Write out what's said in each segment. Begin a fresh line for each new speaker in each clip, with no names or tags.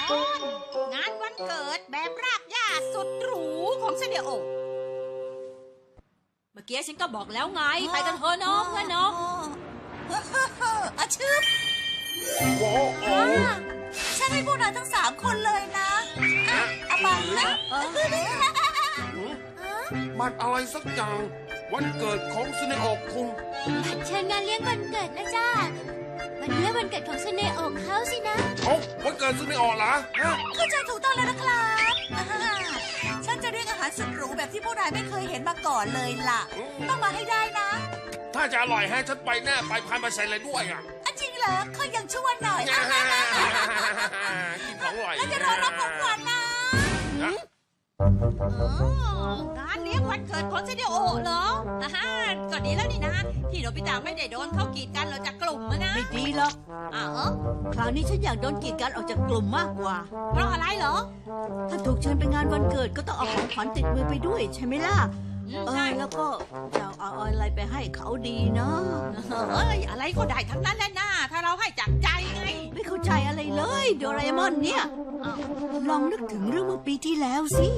ตอนงานวันเกิดแบบรากหญ้าสุดหรูของเซเดโอเมื่อกี้ฉันก็บอกแล้วไงไปกันเถอะน้องเพื่อนน้องอาชืบฉันให้พวกนายทั้ง3 คนเลยนะอาบังนะ
มันอะไรสักอย่างวันเกิดของซูเนโอะคุง
เชิญงานเลี้ยงวันเกิดนะจ้าวันนี้วันเกิดของซูเนโอะเขาสินะ
วันเกิดซูเนโอะเหรอ
เข้าใจถูกต้องแล้วนะครับฉันจะเรียกอาหารสุดหรูแบบที่พวกนายไม่เคยเห็นมาก่อนเลยล่ะต้องมาให้ได้นะ
ถ้าจะอร่อยให้ฉันไปแน่ไปพายมาใส่เลยด้วย
จริงเหรอเขายังชั่วหน่อย
กินของอร่อย
แล้วจะรอรับของขวัญนะงานเลี้ยงวันเกิดของเซเดโอเหรอก็ดีแล้วนี่นะที่โนบิตะไม่ได้โดนเขากีดกันเราจากกลุ่มนะ
ไม่ดีหรอกคราวนี้ฉันอยากโดนกีดกันออกจากกลุ่มมากกว่า
เพราะอะไรเหรอ
ถ้าถูกเชิญไปงานวันเกิดก็ต้องเอาของขวัญติดมือไปด้วยใช่ไหมล่ะ
ใช่
แล้วก็จะเอาอะไรไปให้เขาดีเนาะ
อะไรก็ได้ทั้งนั้นแหละนะถ้าเราให้จากใจไง
ไม่เข้าใจอะไรเลยโดราเอมอนเนี่ยลองนึกถึงเรื่องเมื่อปีที่แล้วสิ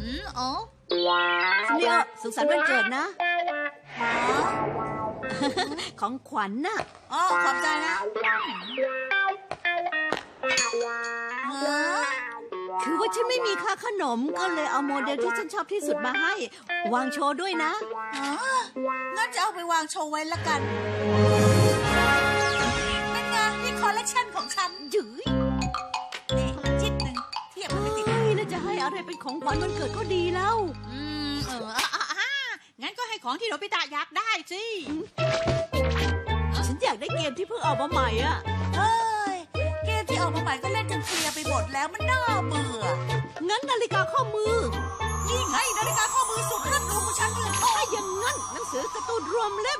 เนี่ยสุขสันต์วันเกิดนะของขวัญน่ะ
ขอบใจนะ
คือว่าฉันไม่มีค่าขนมก็เลยเอาโมเดลที่ฉันชอบที่สุดมาให้วางโชว์ด้วยนะ
งั้นจะเอาไปวางโชว์ไว้ละกันเป็นไงนี่คอลเลกชันของฉัน
จื๋ย
นี่ชิ้นหนึ่งเทียบกันติด
แล้วจะให้อะไรเป็นของขวัญวันเกิดก็ดีแล้ว
งั้นก็ให้ของที่โนบิตะอยากได้สิ
ฉันอยากได้เกมที่เพิ่งออกมาใหม่อ่ะ
เกมที่ออกมาใหม่ก็เล่นจนเคลียร์ไปหมดแล้วมันน่าเบื่อ
งั้นนาฬิกาข้อมือ
นี่ไงนาฬิกาข้อมือสุดเลิศหรูของฉันเลย
ถ้าอย่างงั้นหนังสือการ์ตูนรวมเล่ม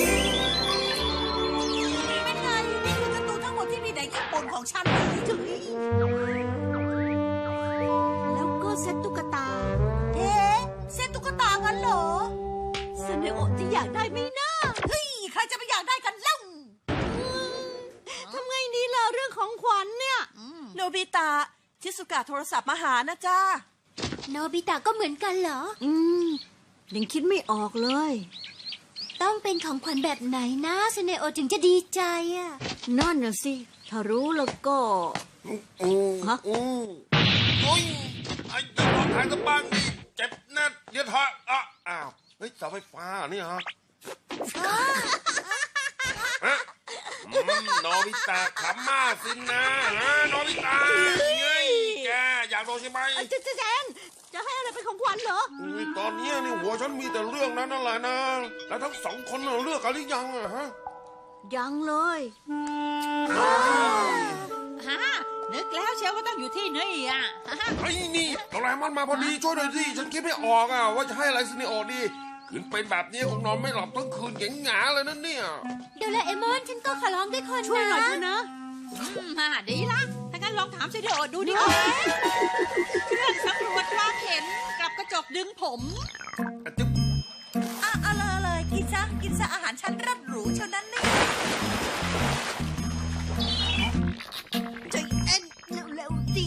เป็นไงนี่คือการ์ตูนทั้งหมดที่มีในญี่ปุ่นของฉันเลย
แล้วก็เซ็ตตุ๊กตา
เซ็ตตุ๊กตางั้นเหรอ
เซเนโอะจะอยากได้ไหมนะ
เฮ้ยใครจะไปอยากได้กันเล่า
ทำไงดีล่ะเรื่องของขวัญเนี่ย
โนบิตะชิสุกะโทรศัพท์มาหานะจ้า
โนบิตะก็เหมือนกันเหรอ
ยังคิดไม่ออกเลย
ต้องเป็นของขวัญแบบไหนนะซูเนโอะถึงจะดีใจอ่ะ
นั่นน่ะสิถ้ารู้แล้วก็
ฮะโอ้ยไอ้จะบอกทางกันบ้างดิเจ็บแน่เดี๋ยวเถอะอ้าวเฮ้ยเสาไฟฟ้านี่ฮะโนบิตะขำมากสินะโนบิตะเฮ้ยแกอยากโดนใช่ไหม
แจนจะให้อะไรเป็นของขวัญเหรอ
ตอนนี้นี่หัวฉันมีแต่เรื่องนั้นนั่นแหละนะแล้วทั้ง2 คนเลือกกันหรือยังฮะ
ยังเลย
นึกแล้วเชียวว่าต้องอยู่ที่นี่
ไอ้นี่โดราเอมอนมาพอดีช่วยหน่อยสิฉันคิดไม่ออกว่าจะให้อะไรซิเนโอะดีคืนเป็นแบบนี้คงนอนไม่หลับทั้งคืนหงาเลยนั่นเนี่ย
โดราเอมอนฉันก็ขอร้องด้วยคน
ช่วยหน่อยเถอะนะ
ดีละถ้างั้นลองถามซิเนโอะดูดิว่าเครื่องสำรวจความเห็นกับกระจกดึงผมอะไรกินซะอาหารชั้นเลิศหรูเท่านั้นนี่
ใจเอ็นเร็วๆดิ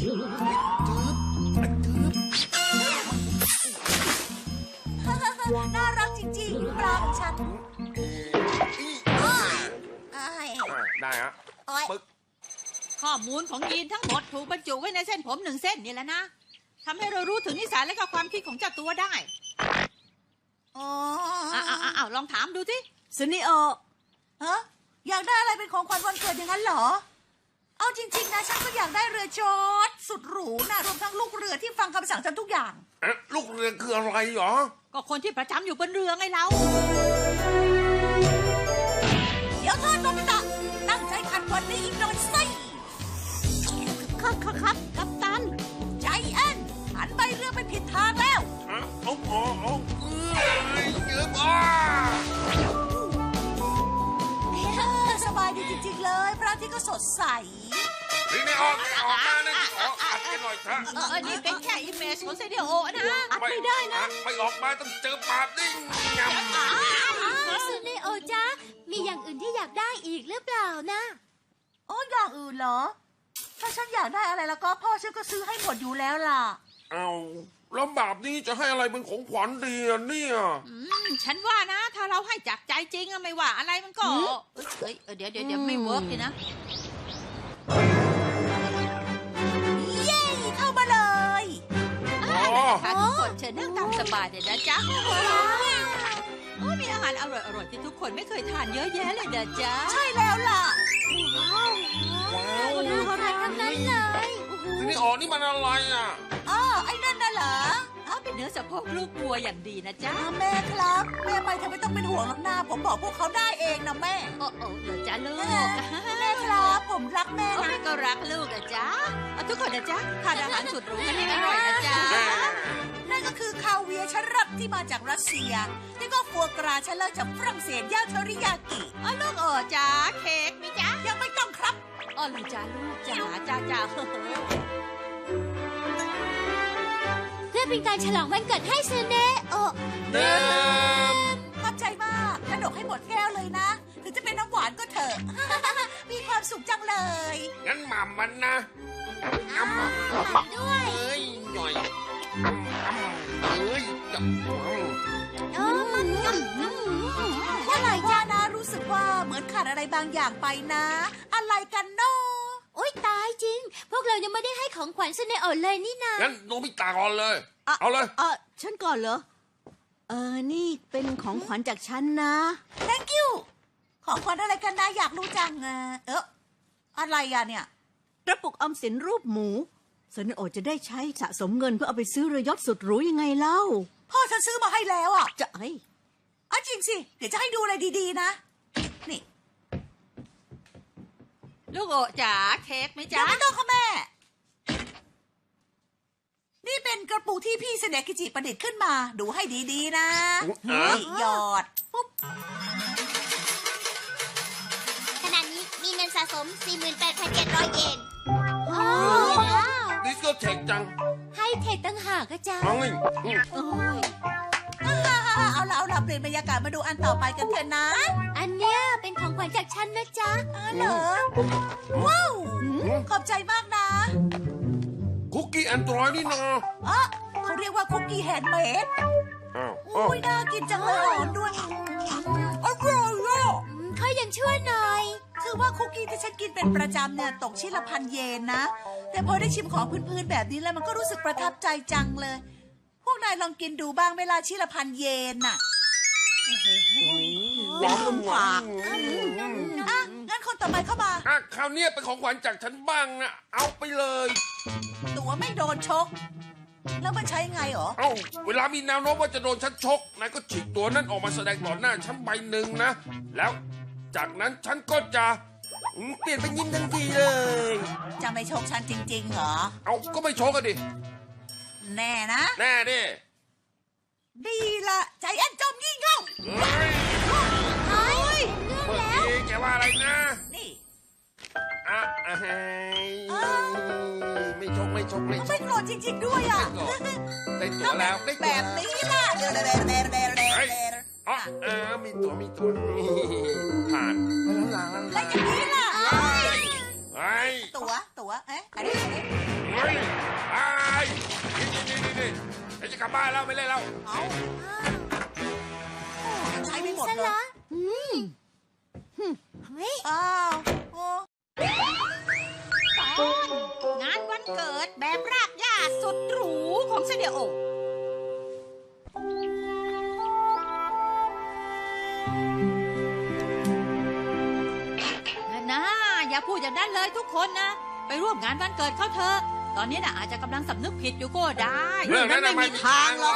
น่ารักจริงๆปลาของฉัน
ได้ฮะปึ๊ก
ข้อมูลของยีนทั้งหมดถูกบรรจุไว้ในเส้นผม1 เส้นนี่แหละนะทำให้เรารู้ถึงนิสัยและความคิดของเจ้าตัวได้ลองถามดูสิ
ซูเนโอะ
อยากได้อะไรเป็นของขวัญวันเกิดอย่างนั้นเหรอเอาจริงๆนะฉันก็อยากได้เรือจอดสุดหรูนะรวมทั้งลูกเรือที่ฟังคำสั่งฉันทุกอย่าง
ลูกเรือคืออะไรหรอ
ก็คนที่ประจำอยู่บนเรือไงเราเดี๋ยวเธอโนบิตะตั้งใจขัดวันนี้อีกหน่อยสิ
ครับกัปตัน
ใจแอนหันใบเรือไปผิดทางแล้วสบายดีจริงๆเลยพระอาทิตย์ก็สดใส
นี่ไม่ออกมานะอัดกันหน่อยเถอะ
นี่เป็นแค่อิมเมจของเซเดโอะนะ
อัดไม่ได้นะ
ไม่ออกมาต้องเจอปาบดิ้งย
ำซูเนโอะจ๊ะมีอย่างอื่นที่อยากได้อีกหรือเปล่านะ
อย่างอื่นเหรอถ้าฉันอยากได้อะไรแล้วก็พ่อฉันก็ซื้อให้หมดอยู่แล้วล่ะ
เอาแล้วแบบนี้จะให้อะไรเป็นของขวัญดีอะเนี่ย
ฉันว่านะ ถ้าเราให้จากใจจริงอะไม่ว่าอะไรมันก็เอ้ยเดี๋ยวไม่เวิร์กเลยนะ
เย้เข้ามาเลย
ค่ะทุกคนเชิญนั่งตามสบายเลยนะจ๊ะโอ้มีอาหารอร่อยๆที่ทุกคนไม่เคยทานเยอะแยะเลยนะจ๊ะ
ใช่แล้วล่ะ
ว้าว
น่าทานทั้งนั้นเลย
ทีนี้อ๋อนี่มันอะไรอ่ะ
อ้อไอ้นั่นน่ะเหรอ
เป็นเนื้อสะโพกลูกวัวอย่างดีนะจ๊ะ
แม่ครับแม่ไปเธอไม่ต้องเป็นห่วงหรอกนะผมบอกพวกเขาได้เองนะแม่
โอ้เดี๋ยวจ้าลูก
แม่ครับผมรักแม่
โอ้
นะ
แม่ก็รักลูกนะจ๊ะทุกคนนะจ๊ะทานอาหารสุดหรูกันให้อร่อยนะจ๊ะ
นั่นก็คือคาเวียร์ชั้นรับที่มาจากรัสเซียนี่ก็ฟัวกราชั้นเลิศจากฝรั่งเศสย่างเทอริยากิ
ลูกจ้าเค้กมีจ๊ะ
ยังไม่ต้องครับ
เลยจ้าลูกจ้า
เพื่อเป็นการฉลองวันเกิดให้เซเนโอะ
เดิม
ขอบใจมากกระดกให้หมดแก้วเลยนะ ถึงจะเป็นน้ำหวานก็เถอะ มีความสุขจังเลย
งั้นหม่ำมันนะ
ด้วย
เอ้ยหน่อยเอ้ยจับ
อะไรจ้านะรู้สึกว่าเหมือนขาดอะไรบางอย่างไปนะ อะไรกันเนาะ
โอ๊ยตายจริง พวกเรายังไม่ได้ให้ของขวัญเซเนโอะเลยนี่นา
งั้นโนบิตะก่อนเลย เอาเลย
ฉันก่อนเหรอ นี่เป็นของขวัญจากฉันนะ
thank you ของขวัญอะไรกันนะอยากรู้จังอะไรอะเนี่ย
กระปุกออมสินรูปหมูเซนโอจะได้ใช้สะสมเงินเพื่อเอาไปซื้อเรือยอทสุดหรูยังไงเล่า
พ่อฉันซื้อมาให้แล้วอ่ะ
จะเอ้ย
จริงสิ เดี๋ยวจะให้ดูอะไรดีๆนะ นี่
ลูกจ๋าเค้กไหม
ยั
จ๊ะ
งไม่ต้องค่ะแม่ นี่เป็นกระปุกที่พี่เสเนกิจิประดิษฐ์ขึ้นมา ดูให้ดีๆนะ นี่หยอดปุ๊บ
ขณะนี้มีเงินสะสม 48,700 เยนว้าว
ดิสโก้เทคจัง
ให้เทคตั้งหากอะจ้า
เอาไง
เอาละเปลี่ยนบรรยากาศมาดูอันต่อไปกันเถอะนะ
อันเนี้ยเป็นของขวัญจากฉันนะจ๊ะ
เหรอ ว้าว ขอบใจมากนะ
คุกกี้แอนดรอยนี่นะ
เขาเรียกว่าคุกกี้แฮนด์เมด
อ้าว
อุ้ยน่ากินจังเลยอ่อนด้วยอร่อยอ่ะ
ค่อยยังชั่วหน่อย
คือว่าคุกกี้ที่ฉันกินเป็นประจำเนี่ยตกชิ้นละ1,000 เยนนะ แต่พอได้ชิมของพื้นๆแบบนี้แล้วมันก็รู้สึกประทับใจจังเลย พวกนายลองกินดูบ้างเวลาชิ้นละ1,000 เยนน่ะ
หวานหวาน
งั้นคนต่อไปเข้ามา
คราวนี้เป็นของขวัญจากฉันบ้างนะ เอาไปเลย
ตัวไม่โดนชก แล้วมันใช้ไงหรอ
เอ้า เวลามีแนวโน้มว่าจะโดนฉันชก นายก็ฉีกตัวนั้นออกมาแสดงต่อหน้าฉันใบหนึ่งนะ แล้วจากนั้นฉันก็จะเปลี่ยนเป็นยิ้มทันทีเลย
จะไม่ชกฉันจริงๆเหรอ
เอาก็ไม่ชกกันดิ
แน่นะ
แน่ดิ
ดีละใจแอนจอมงี่เง่า
เฮ้ย
เฮ้ย
เมื่อกี้แกว่าอะไรนะ
นี่
ไม่ชก
ไม่โกรธจริงๆด้วยอ่ะ
ได้ตัวแล้วได้
แบ
ตัว
บนี้ล่ะเดี๋ยว
มีตัวผ่านแล้ว
แล้วอย่างนี้ล่ะ
เฮ้ย
ตัวอันนี้
เฮ้ยนี่จะกลับบ้านแล้วไม่เล่นแล้ว
เอาใช้ไม่หมด
ซะ
เลย
ละเฮ้ย
อ้าวโอ้
ตอนงานวันเกิดแบบรากหญ้าสุดหรูของเซเนโอนะอย่าพูดอย่างนั้นเลยทุกคนนะ ไปร่วมงานวันเกิดเขาเถอะ ตอนนี้น่ะอาจจะกำลังสำนึกผิดอยู่ก็ได้
เรื่องนั้นไม่มีทางหรอก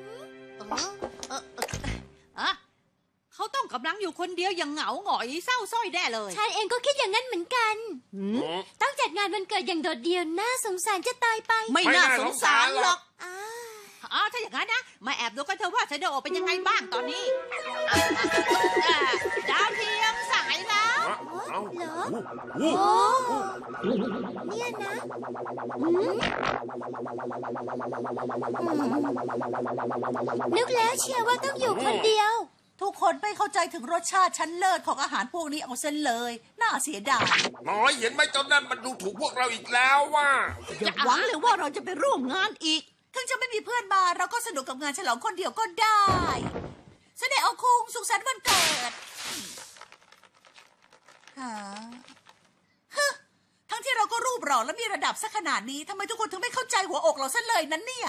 เขาต้องกำลังอยู่คนเดียวอย่างเหงาหงอยเศร้าส้อยแน่เลย
ฉันเองก็คิดอย่างนั้นเหมือนกัน ต้องจัดงานวันเกิดอย่างโดดเดี่ยวน่าสงสารจะตายไป
ไม่น่าสงสารหรอก
ถ้าอย่างนั้นนะมาแอบดูกันเถอะว่าเซเนโอเป็นยังไงบ้างตอนนี้ดาวเทียมสายแล้ว
เหรอ
โอ้
โอ้เนี่ยนะนึกแล้วเชียร์ว่าต้องอยู่คนเดียว
ทุกคนไม่เข้าใจถึงรสชาติชั้นเลิศของอาหารพวกนี้เอาเส้นเลย น่าเสียดาย
น้อยเห็นไหมเจ้านั่นมันดูถูกพวกเราอีกแล้วว่า
อย่าหวังเลยว่าเราจะไปร่วมงานอีก
ถึงจะไม่มีเพื่อนมาเราก็สนุกกับงานฉลองคนเดียวก็ได้เสด็จเอาคุงสุขสันต์วันเกิดฮะทั้งที่เราก็รูปหล่อและมีระดับสักขนาดนี้ทำไมทุกคนถึงไม่เข้าใจหัวอกเราซะเลยนั้นเนี่ย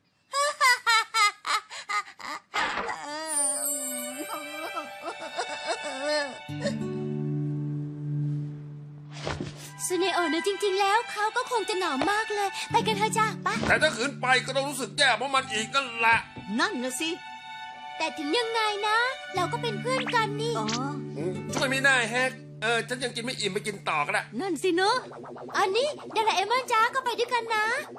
ซูเนโอะนะจริง ๆ แล้วเขาก็คงจะหนาวมากเลย ไปกันเถอะจ้าไป
แต่ถ้าขืนไปก็ต้องรู้สึกแย่เพราะมันอีกนั่นแหละ
นั่นนะสิ
แต่ถึงยังไงนะ เราก็เป็นเพื่อนกันนี่
อ๋อ
ช่วยไม่ได้แฮกฉันยังกินไม่อิ่มไปกินต่อก็ได้
นั่นสิเนอะ
อันนี้โดราเอมอนจ้าก็ไปด้วยกันนะ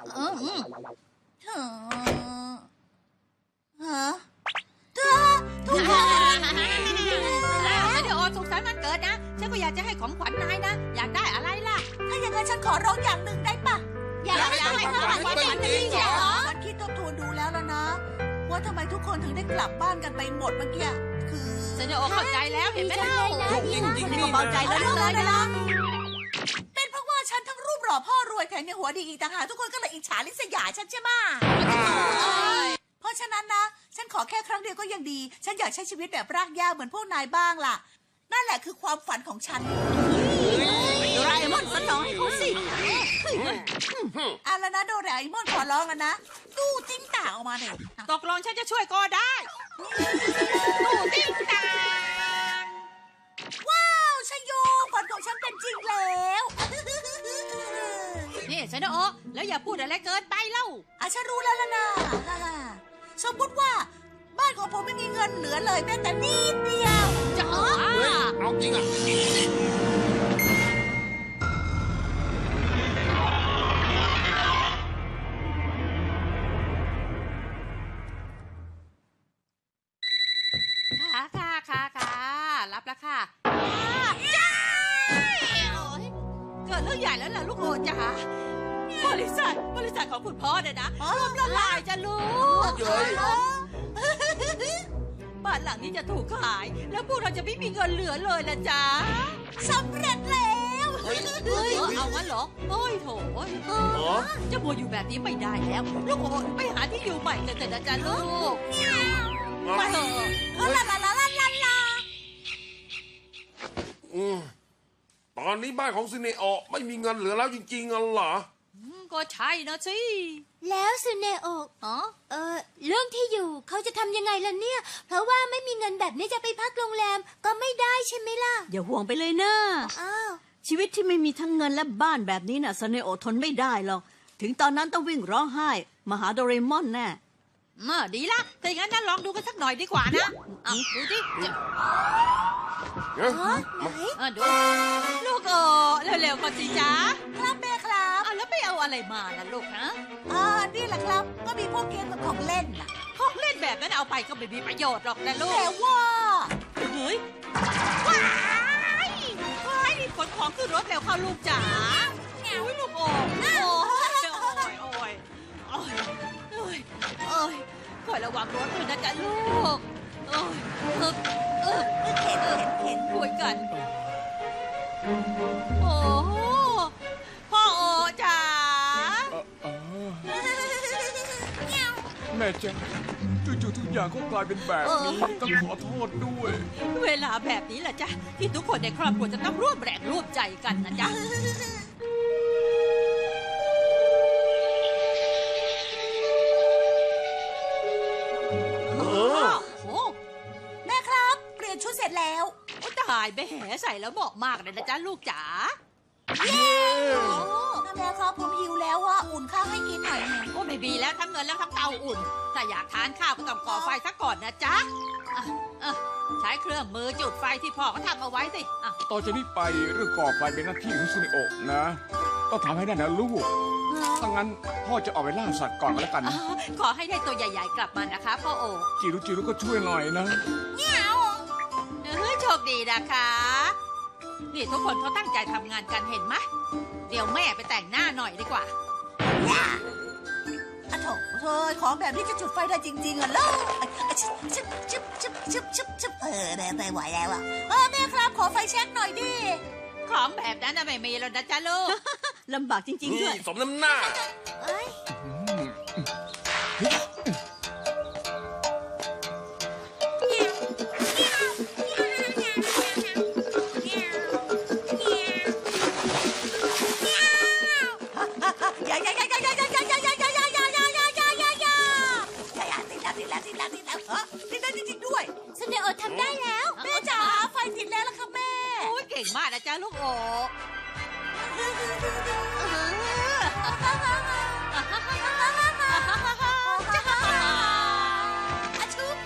ฮะทุกคน
เสด็จโอสุขสันต์วันเกิดนะ ฉันก็อยากจะให้ของขวัญนายนะ อยากได้อะไรล่ะ
ถ้าอย่างนั้นฉันขอร้องอย่างหนึ่งได้ปะ
อยากได้ของขวัญเป็นจริงเหรอ
ฉันคิดทบทวนดูแล้วนะ ว่าทำไมทุกคนถึงได้กลับบ้านกันไปหมดเมื่อกี้คือ
เสด็จโอเข้าใจแล้วเห็นไหม
ดีจั
ล่ะ
งเลยนะ
ลูกยิ่ง
ดี
ยิ่ง
มาก
นี่
เบาใจแล้ว
เลยนะเป็นเพราะว่าฉันทั้งรูปหล่อพ่อรวยแถมยังหัวดีอีกต่างหากทุกคนก็เลยอิจฉาริษยาฉันใช่ไหมเพราะฉะนั้นนะ ฉันขอแค่ครั้งเดียวก็ยังดี ฉันอยากใช้ชีวิตแบบรากหญ้าเหมือนพวกนายบ้างล่ะ นั่นแหละคือความฝันของฉัน
โดราเอมอนสนองให้เขาสิ
เอาละนะโดราเอมอนขอร้องแล้วนะตู้จิ้งต่างออกมาหน่อย
ตกลงฉันจะช่วยก็ได้ตู้ติ๊งตาง
ว้าวชโยฝันของฉันเป็นจริงแล้ว
นี่เสด็จโอแล้วอย่าพูดอะไรเกินไปเล่า
ฉันรู้แล้วล่ะนะสมมติว่าบ้านของผมไม่มีเงินเหลือเลยแม้แต่นิดเดียว
จ๋า
เฮ้ยเอาจริงอ่ะ
ค่ะรับแล้วค่ะจ้าโอ้ยเกิดเรื่องใหญ่แล้วล่ะลูกโอจ๋าบริษัทของคุณพ่อเนี่ยนะล่มละลายจะลูก
เย้ย
บ้านหลังนี้จะถูกขาย แล้วพวกเราจะไม่มีเงินเหลือเลยละจ๊ะ
สำเร็จแล้ว
เฮ้ย
เฮ้ยเอางั้นเหรอโอ้ยโถย
อ๋อ
จะมัวอยู่แบบนี้ไม่ได้แล้ว ลูกโอไปหาที่อยู่ใหม่กันเถอะนะจ๊ะลูกไปเถอะ
ลาลาลาลาลาลา
ตอนนี้บ้านของซินเนโอะไม่มีเงินเหลือแล้วจริงๆเหรอ
ก็ใช่นะสิ
แล้วซูเนโอะ
อ๋อ
เรื่องที่อยู่เขาจะทำยังไงล่ะเนี่ย เพราะว่าไม่มีเงินแบบนี้จะไปพักโรงแรมก็ไม่ได้ใช่ไหมล่ะ
อย่าห่วงไปเลยนะ
อ้าว
ชีวิตที่ไม่มีทั้งเงินและบ้านแบบนี้น่ะสเนโอะทนไม่ได้หรอก ถึงตอนนั้นต้องวิ่งร้องไห้มาหาโดเรมอนแน่
ดีละแต่อย่างนั้นนะลองดูกันสักหน่อยดีกว่านะดูสิ ดูลูกโอเร็วๆก่อนสิจ๊ะ
ครับแม่ครับ
แล้วไม่เอาอะไรมานะลูกนะ
นี่แหละครับ ก็มีพวกเกมกับของเล่นน่ะ
ของเล่นแบบนั้นเอาไปก็ไม่มีประโยชน์หรอกนะลู
แต่
ก
ว่า
เฮ้ยว้ายขนของขึ้นรถเร็วเข้าลูกจ๋าอุ้ยลูกโอโอ้ยคอยระวังรถด้วยนะจ๊ะลูก
เห็น
คุยกัน โอ้พ่อโอจ๋า
แม่จ๊ะจู่ๆทุกอย่างก็กลายเป็นแบบนี้ต้องขอโทษด้วย
เวลาแบบนี้แหละจ๊ะที่ทุกคนในครอบครัวจะต้องร่วมแรงร่วมใจกันนะจ๊ะ โอ้
แม่ครับ เปลี่ยนชุดเสร็จแล้ว
ตายไปแห่ใส่แล้วเหมาะมากเลยนะจ๊ะลูกจ๋า
แม่ครับผมหิวแล้วว่าอุ่นข้าวให้กินหน่อยหนึ่ง
โอ้ไม่มีแล้วทั้งเงินแล้วทั้งเตาอุ่น ถ้าอยากทานข้าวก็ต้องก่อไฟซะก่อนนะจ๊ะใช้เครื่องมือจุดไฟที่พ่อเขาทำเอาไว้สิ
ต่อจากนี้ไปเรื่องก่อไฟเป็นหน้าที่ของซุนิโอะนะ ต้องทำให้ได้นะลูกถ้างั้นพ่อจะออกไปล่าสัตว์ก่อนก็แล้วกันนะ
ขอให้ได้ตัวใหญ่ๆกลับมานะคะพ่อโอ
จิรุก็ช่วยหน่อยนะ
โชคดีนะคะ นี่ทุกคนเขาตั้งใจทำงานกันเห็นไหมเดี๋ยวแม่ไปแต่งหน้าหน่อยดีกว่า
ทโถเธอของแบบนี้จะจุดไฟได้จริงๆเหรอชึบชึบชึบชึบชึบชึบชึบไม่ไหวแล้วอ่ะแม่ครับขอไฟแช็กหน่อยดิ
ของแบบนั้นน่ะไม่มีแล้วนะจ๊ะลูก
ลำบากจริงๆ
นี่
ด้วย
สมน้ำหน้า
เอ้ย
อย่าติดแล้วติดแล้วจริงๆด้วย
สเนโอทำได้แล้ว
แม่จ๋าไฟติดแล้วล่ะค่ะแม่
โอ้ยเก่งมากนะจ๊ะลูกโอ
อาชุบ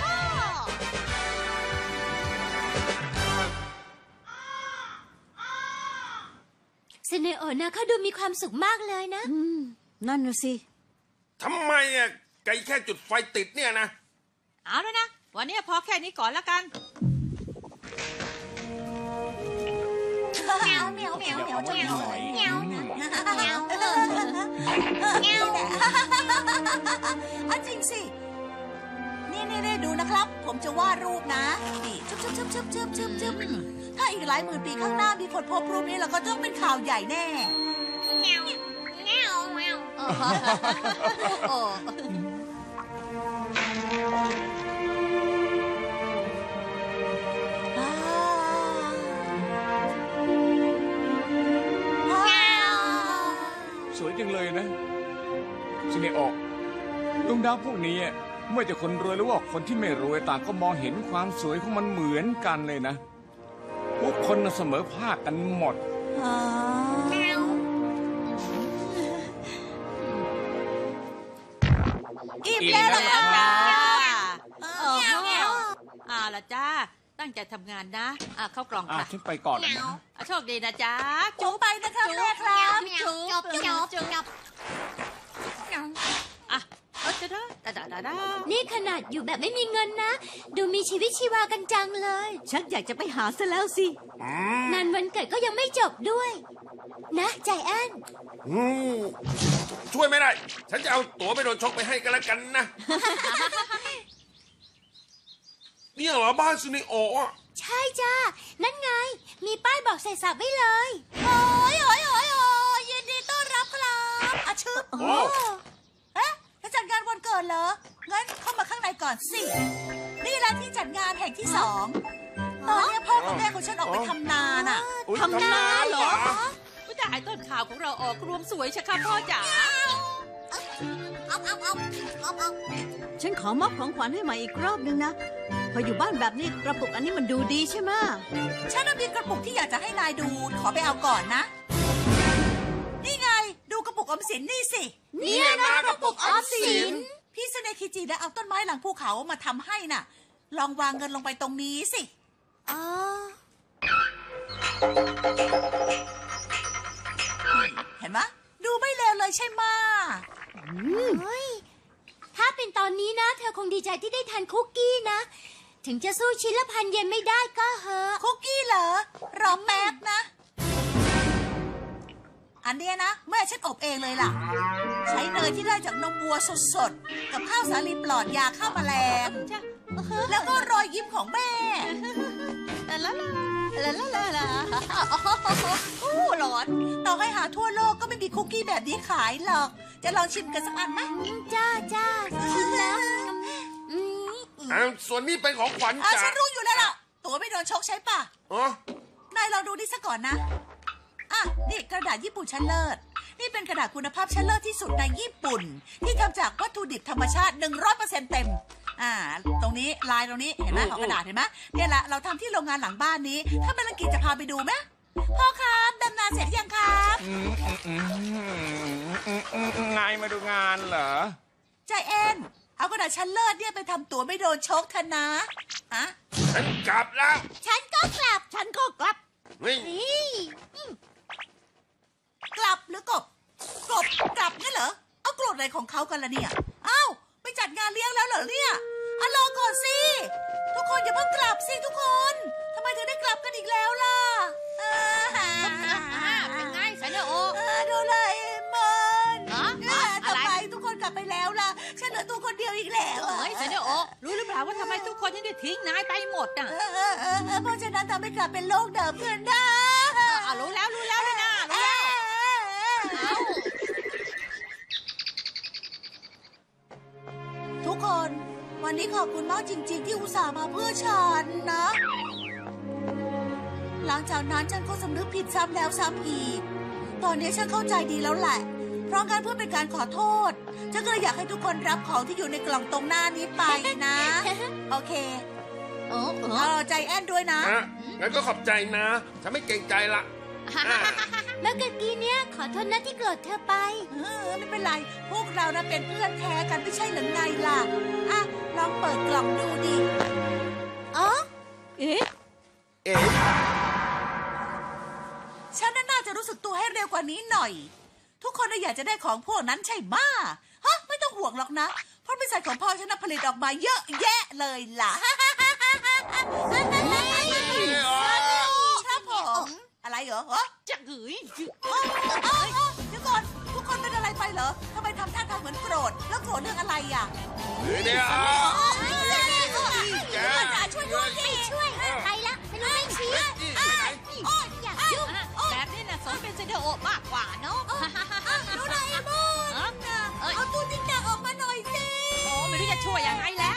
สเนโอนะเขาดูมีความสุขมากเลยนะ
นั่นน่ะสิ
ทำไมอ่ะไกแค่จุดไฟติดเนี่ยนะ
เอาแล้วนะวันนี้พอแค่นี้ก่อนแล้วกัน
เหมียวเหมียวเหมียวเหมียวเหมียวเหมียวเอาจริงสินี่ดูนะครับ ผมจะวาดรูปนะนี่ชึบถ้าอีกหลายหมื่นปีข้างหน้ามีคนพบรูปนี้เราก็ต้องเป็นข่าวใหญ่แน่โอ้
สวยจังเลยนะซิเนโอะดวงดาวพวกนี้ไม่ว่าจะคนรวยหรือว่าคนที่ไม่รวยต่างก็มองเห็นความสวยของมันเหมือนกันเลยนะทุกคนเสมอภาคกันหมด
อิ่มแล้วล่ะ
จ้า
จ้า
ละจ้าตั้งใจทำงานนะเข้ากล่องค่ะ
ฉันไปก่อนนะ
โชคดีนะจ๊ะ
จุ๊บไปนะครับแม่ครับ
จุ๊บอ่ะจะได้
นี่ขนาดอยู่แบบไม่มีเงินนะ ดูมีชีวิตชีวากันจังเลย
ชักอยากจะไปหาซะแล้วสิ
งานวันเกิดก็ยังไม่จบด้วย นะใจแอน
ช่วยไม่ได้ ฉันจะเอาตั๋วไปโดนชกไปให้กันแล้วกันนะ เนี่ยเหรอบ้านซูนิโอะ
ใช่จ้า นั่นไง มีป้ายบอกใส่สับไว้เลย
โอ้ยยินดีต้อนรับครับอาชึบ
โอ้
เอ๊ะจะจัดงานวันเกิดเหรอ งั้นเข้ามาข้างในก่อนสิ นี่แหละที่จัดงานแห่งที่ 2 ตอนนี้พ่อกับแม่ของฉันออกไปทำนาน่ะ
อุ๊ย
ทำนาเหรอ
ผู้แต่ไอ้ต้นข่าวของเราออกรวมสวยชะค่ะพ่อจ๋า
ฉันขอมอบของขวัญให้ใหม่อีกรอบนึงนะ พออยู่บ้านแบบนี้กระปุกอันนี้มันดูดีใช่ไหม
ฉันมีกระปุกที่อยากจะให้นายดู ขอไปเอาก่อนนะ นี่ไง ดูกระปุกออมสินนี่สิ
เนี่ยนะกระปุกออมสิน
พี่สเนคิจิได้เอาต้นไม้หลังภูเขามาทำให้น่ะ ลองวางเงินลงไปตรงนี้สิ
อ๋อ
เห็นไหมดูไม่เลวเลยใช่ไหมะ
เฮ้ย ถ้าเป็นตอนนี้นะ เธอคงดีใจที่ได้ทานคุกกี้นะ ถึงจะสู้ชิ้นละ1,000 เยนไม่ได้ก็เหอะ
คุกกี้เหรอ รอแป๊บนะ อันเนี้ยนะแม่ฉันอบเองเลยล่ะ ใช้เนยที่ได้จากนมวัวสดๆ กับข้าวสาลีปลอดยาฆ่าแมลง
จ้ะ
แล้วก็รอยยิ้มของแม่
โอ้ร้อน
ต่อให้หาทั่วโลกก็ไม่มีคุกกี้แบบนี้ขายหรอก จะลองชิมกันสักอันไหม
จ้าชิมแล้วอืม
ส่วนนี้เป็นของขวัญ
อ่ะ
จาก
ฉันรู้อยู่แล้วล่ะ ตัวไม่โดนชกใช่ปะ
อ๋อน
ายลองดูนี่ซะก่อนนะ อ่ะ นี่กระดาษญี่ปุ่นชั้นเลิศ นี่เป็นกระดาษคุณภาพชั้นเลิศที่สุดในญี่ปุ่น ที่ทำจากวัตถุดิบธรรมชาติ 100% เต็ม ตรงนี้ลายตรงนี้เห็นไหมของกระดาษเห็นไหมเนี่ยแหละเราทำที่โรงงานหลังบ้านนี้ ถ้าเป็นลังกีจะพาไปดูไหมพ่อครับดำนาเสร็จยังครับ
ไงมาดูงานเหรอ
ใจแอนเอากระดาษชั้นเลิศเนี่ยไปทำตัวไม่โดนชกเถอะนะอะ
ฉันกลับแล้ว
ฉันก็กลับ
ฉันก็กลับ
นี่
นี่
กลับหรือกบกลับงั้นเหรอ เอาโกรธอะไรของเขากันล่ะเนี่ย เอ้าไปจัดงานเลี้ยงแล้วเหรอเนี่ยอ่ะรอก่อนสิ ทุกคนอย่าเพิ่งกลับสิทุกคนทำไมถึงได้กลับกันอีกแล้วล่ะ
เป็นไงสเนโอ
โดราเอมอน
ฮะ
ทำไมทุกคนกลับไปแล้วล่ะ ฉันเหลือตัวคนเดียวอีกแล้วอะ
เฮ้ยเซเนโอรู้หรือเปล่าว่าทำไมทุกคนถึงได้ทิ้งนายไปหมดอ่ะ
เพราะฉะนั้นทำให้กลับเป็นโลกเดิมขึ้นได้
รู้แล้วเลยนะรู้แล้วเอ้า
ทุกคนวันนี้ขอบคุณมากจริงๆที่อุตส่าห์มาเพื่อฉันนะ หลังจากนั้นฉันก็สำนึกผิดซ้ำแล้วซ้ำอีก ตอนนี้ฉันเข้าใจดีแล้วแหละ เพราะงั้นเพื่อเป็นการขอโทษ ฉันก็เลยอยากให้ทุกคนรับของที่อยู่ในกล่องตรงหน้านี้ไปนะ โอเคใจแอนด้วยนะ
งั้นก็ขอบใจนะ ฉันไม่เกรงใจละ
เมื่อกี้เนี่ยขอโทษนะที่โกรธเธอไป
ไม่เป็นไร พวกเรานะเป็นเพื่อนแท้กันไม่ใช่หรือไงล่ะ อ่ะ ลองเปิดกล่องดูดิ
อ๋อ
เอ๊ะ
เอ๊ะ
ฉันน่าจะรู้สึกตัวให้เร็วกว่านี้หน่อย ทุกคนน่ะอยากจะได้ของพวกนั้นใช่ไหมฮะ ไม่ต้องห่วงหรอกนะ เพราะบริษัทของพ่อฉันน่ะผลิตออกมาเยอะแยะเลยล่ะ ครับผม อะไรเหรอ
จะหืย
เดี๋ยวก่อน ทุกคนเป็นอะไรไปเหรอทำไมทำท่าทางเหมือนโกรธ แล้วโกรธเรื่องอะไรอ่ะ
เนี่ย
ช่วยด้วยดิ
ช่วยใครละไม่รู้ไม่ชี้ อยากยุ่ง
แบบนี้น่ะสมเป็นเซเนโอมากกว่าเนาะ
ดูหน่อยมูนเอาตู้ติ๊กตักออกมาหน่อยสิ
โอ้ไม่รู้จะช่วยยังไงแล้ว